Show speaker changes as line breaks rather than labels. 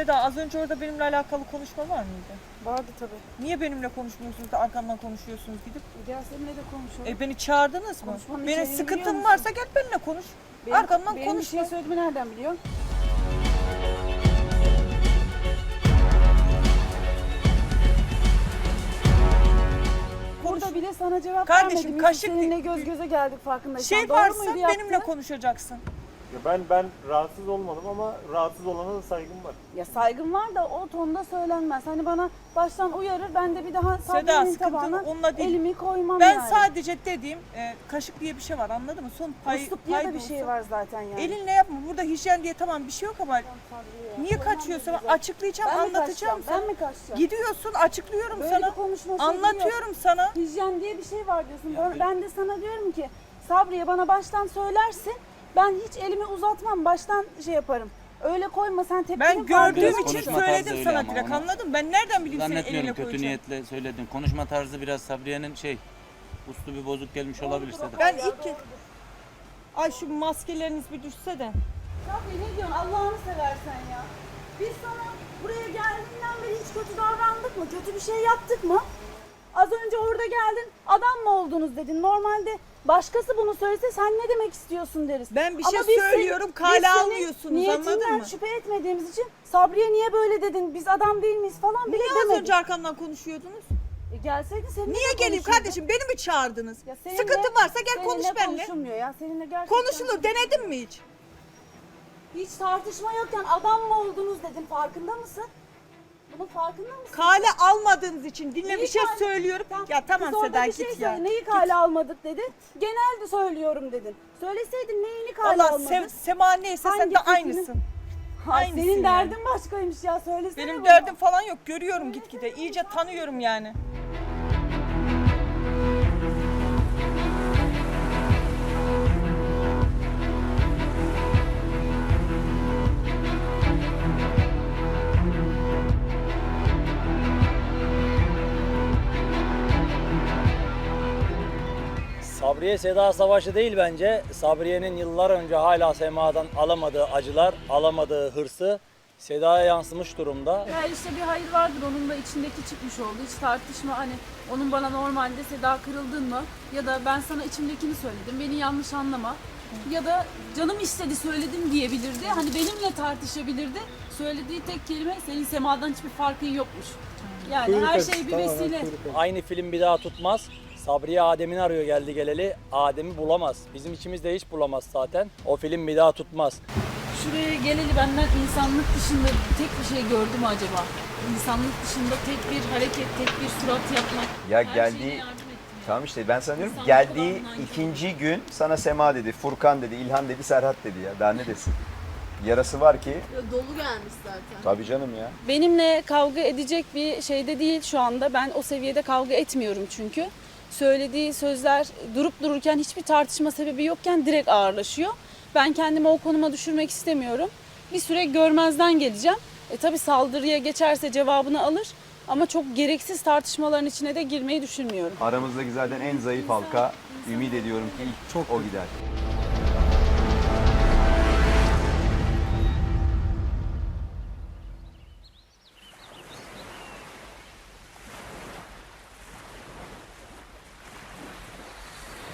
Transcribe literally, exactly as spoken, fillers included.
Seda, az önce orada benimle alakalı konuşma var mıydı?
Vardı tabii.
Niye benimle konuşmuyorsunuz da arkamdan konuşuyorsunuz gidip?
Gel seninle de konuşalım.
E beni çağırdınız mı?
Konuşmanın
Benim
içeriğini biliyor
sıkıntım
musun?
varsa gel benimle konuş.
Benim,
Arkamdan
benim bir
konuşma.
şey söylediğimi nereden biliyorsun? Burada bile sana cevap
Kardeşim,
vermedim. Biz
kaşık-
seninle göz göze geldik farkındaysan.
Şey
Doğru
varsa
muydu
benimle
yaptığın?
konuşacaksın.
Ya ben ben rahatsız olmadım ama rahatsız olana da saygım var.
Ya saygım var da o tonda söylenmez. Hani bana baştan uyarır, ben de bir daha
Seda,
Sabriye'nin
sıkıntın
tabağına
onunla değil.
elimi koymam
Ben
yani.
sadece dediğim e, kaşık diye bir şey var, anladın mı? Son pay,
Usluk diye
pay
de
da
bir şey
olsa.
var zaten yani.
Elinle yapma. Burada hijyen diye tamam bir şey yok ama niye kaçıyorsun? Açıklayacağım,
Ben mi
anlatacağım
kaçacağım?
sana.
Ben mi kaçacağım?
Gidiyorsun, açıklıyorum
Böyle
sana.
bir konuşma şekli
Anlatıyorum
yok.
sana.
Hijyen diye bir şey var diyorsun. Ben- Ben de sana diyorum ki Sabriye bana baştan söylersin. Ben hiç elimi uzatmam. Baştan şey yaparım. Öyle koyma sen tepkini
Ben gördüğüm
Biraz
için
konuşma tarzı
söyledim
öyle
sana
ama
direkt,
onu
anladın mı? Ben nereden bileyim senin eline
Zannetmiyorum kötü
koyacağını?
niyetle söyledin. Konuşma tarzı biraz Sabriye'nin şey, uslu bir bozuk gelmiş olabilir Seda.
Ben ilk kez... Ay şu maskeleriniz bir düşse de.
Sabriye ne diyorsun Allah'ını seversen ya. Biz sana buraya geldiğinden beri hiç kötü davrandık mı? Kötü bir şey yaptık mı? Az önce orada geldin, adam mı oldunuz dedin. Normalde başkası bunu söylese sen ne demek istiyorsun deriz.
Ben bir
Ama
şey
biz seni-
söylüyorum,
biz
kale
senin
almıyorsunuz, anladın
niyetinden
mı?
şüphe etmediğimiz için Sabriye niye böyle dedin, biz adam değil miyiz falan bile
Niye az
demedik.
önce arkamdan konuşuyordunuz?
E gelseydin seninle
Niye
de
geleyim
konuşurduk.
kardeşim? Beni mi çağırdınız?
Ya seninle-
Sıkıntı varsa gel
seninle
konuş benimle.
konuşulmuyor ya seninle gerçekten.
Konuşulur. Denedin mi hiç?
Hiç tartışma yokken adam mı oldunuz dedin, farkında mısın? Bunun farkında mısın?
Kale almadığınız için dinle
Neyi
bir şey
kale-
söylüyorum.
Tamam,
Ya tamam
kız orada
Seda
bir
git
şey
ya.
söyle, neyi
Git.
kale almadık dedin. Genelde söylüyorum dedin. Söyleseydin neyini kale
Allah
almadın?
sev, Sema neyse sen
Hangi
de
fikrini-
aynısın.
Ay,
aynısın
senin
yani.
derdin başkaymış ya, söylesene
Benim
bunu.
derdim falan yok. Görüyorum gitgide. İyice tanıyorum yani.
Sabriye Seda savaşı değil bence. Sabriye'nin yıllar önce hala Sema'dan alamadığı acılar, alamadığı hırsı Seda'ya yansımış durumda.
Ya işte bir hayır vardır onun da içindeki çıkmış oldu. Hiç tartışma hani onun bana normalde Seda kırıldın mı? Ya da ben sana içimdekini söyledim. Beni yanlış anlama. Ya da canım istedi söyledim diyebilirdi. Hani benimle tartışabilirdi. Söylediği tek kelime senin Sema'dan hiçbir farkın yokmuş. Yani her şey bir vesile.
Aynı film bir daha tutmaz. Sabriye Adem'ini arıyor geldi geleli. Adem'i bulamaz. Bizim içimizde hiç bulamaz zaten. O film bir daha tutmaz.
Şuraya geleli benden insanlık dışında tek bir şey gördü mü acaba? İnsanlık dışında tek bir hareket, tek bir surat yapmak.
Ya
Her
geldiği-
şeyine yardım ettim.
Tamam işte ben sana diyorum
İnsanlık
geldiği
olan nankör.
ikinci gün sana Sema dedi, Furkan dedi, İlhan dedi, Serhat dedi ya. Daha ne desin? Yarası var ki.
Dolu gelmiş zaten.
Tabii canım ya.
Benimle kavga edecek bir şeyde değil şu anda. Ben o seviyede kavga etmiyorum çünkü. Söylediği sözler durup dururken hiçbir tartışma sebebi yokken direkt ağırlaşıyor. Ben kendimi o konuma düşürmek istemiyorum. Bir süre görmezden geleceğim. E tabii saldırıya geçerse cevabını alır ama çok gereksiz tartışmaların içine de girmeyi düşünmüyorum.
Aramızdaki zaten en zayıf halka. Ümit ediyorum ki ilk çok o gider.